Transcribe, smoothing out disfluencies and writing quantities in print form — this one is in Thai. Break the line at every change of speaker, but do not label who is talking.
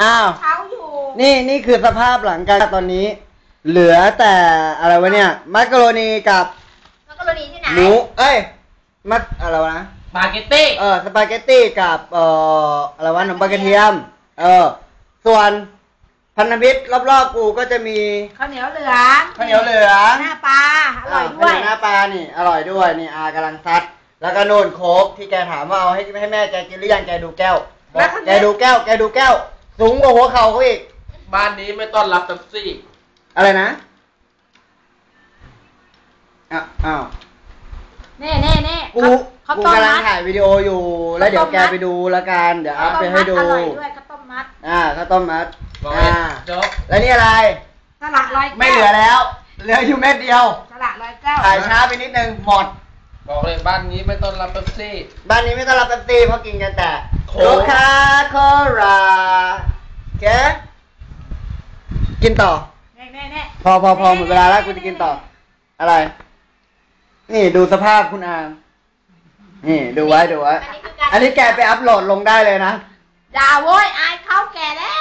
อ้าว
เขาอยู่
นี่คือสภาพหลังการตอนนี้ เหลือแต่อะไรวะเนี่ยมักกะโรนีกับ
มักกะโรนีที่ไหน
หมูอะไรวะนะ
สปาเกตตี้
สปาเกตตี้กับอะไรวะขนมปังกระเทียมส่วนพันธมิตรรอบๆกูก็จะมี
ข้าวเหนียวเหลืองหน้าปลาอร่อยด้วย
หน้าปลานี่อร่อยด้วยนี่กำลังซัดแล้วก็โน่นโค้กที่แกถามว่าเอาให้แม่แกกินหรือยังแกดูแก้วแกดูแก้วสูงกว่าหัวเข่าเขาอีก
บ้านนี้ไม่ต้อนรับเป๊ปซี่
อะไรนะอ้าว
เน่
กูกำลังถ่ายวิดีโออยู่แล้วเดี๋ยวแกไปดูแล้วกันเดี๋ยวอัพไปให้ดู
อร่อยด้วยข้าวต้มมัด
ข้าวต้มมัด
จบ
แล้วนี่อะไร
สละร้อยแก้ว
ไม่เหลือแล้วเหลืออยู่เม็ดเดียว
สละร้อยแก้ว
ถ่ายช้าไปนิดนึงหมด
บอกเลยบ้านนี้ไม่ต้อนรับเป๊ปซี่
บ้านนี้ไม่ต้อนรับเป๊ปซี่เพราะกินกันแต่โคคาโคล่าแกกินต่อพอหมดเวลาแล้วกูจะกินต่ออะไรนี่ดูสภาพคุณอานี่ดูไว้อันนี้แกไปอัพโหลดลงได้เลยนะ
อย่าโว้ยอายเขาแก่แล้ว